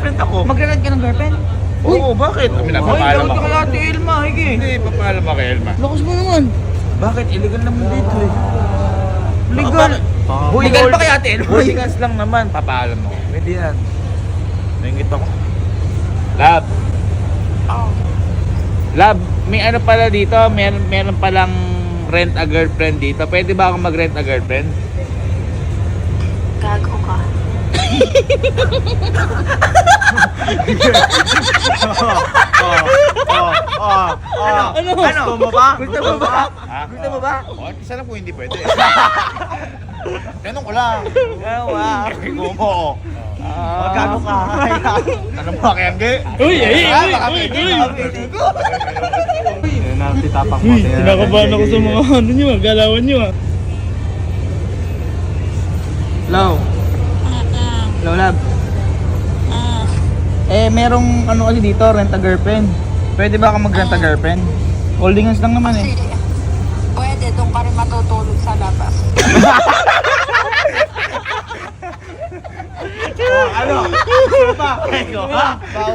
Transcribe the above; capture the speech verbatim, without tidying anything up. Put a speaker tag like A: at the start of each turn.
A: girlfriend ako.
B: Mag-rent ka ng girlfriend?
A: Oo, bakit? Kami na,
B: Ay,
A: papaalam
B: daw
A: ako.
B: ka kay Ate Elma, higi.
A: Hindi, papaalam ako kay Elma.
B: Lakas mo naman.
A: Bakit? Illegal naman dito eh.
B: Legal.
A: Hoy,
B: Legal
A: hold-
B: ba kay Ate Elma?
A: Holdingas lang naman, papaalam mo. Pwede yan. Naingit ako. Lab. Lab, may ano pala dito, meron, meron palang rent a girlfriend dito. Pwede ba akong mag-rent a girlfriend?
C: Gago ka.
B: Ano? Ano?
A: Gusto mo ba?
B: Gusto mo ba?
A: Ha?
B: Gusto mo ba?
A: Oh, isa lang kung hindi pwede. Tanong ko lang.
B: Gawa.
A: Ikaw mo.
B: Ah.
A: Gago ka. Ano mo kaya Angge?
D: Uy, ay,
A: Ah,
D: uy,
A: baka
D: uy,
A: pwede
D: uy.
A: ka, pwede ko.
E: Yan ang titapak mo.
D: Uy, kinakabahan ako sa mga ano nyo ah, galawan nyo ah.
B: Hello. Hello, love. Eh, merong ano kasi dito, rent a girlfriend. Pwede ba ako mag-rent a girlfriend? Holding hands lang naman eh.
C: Sige. Pwede, doon ka rin matutulog sa labas.
A: Ano? Ano pa? Ikaw ha?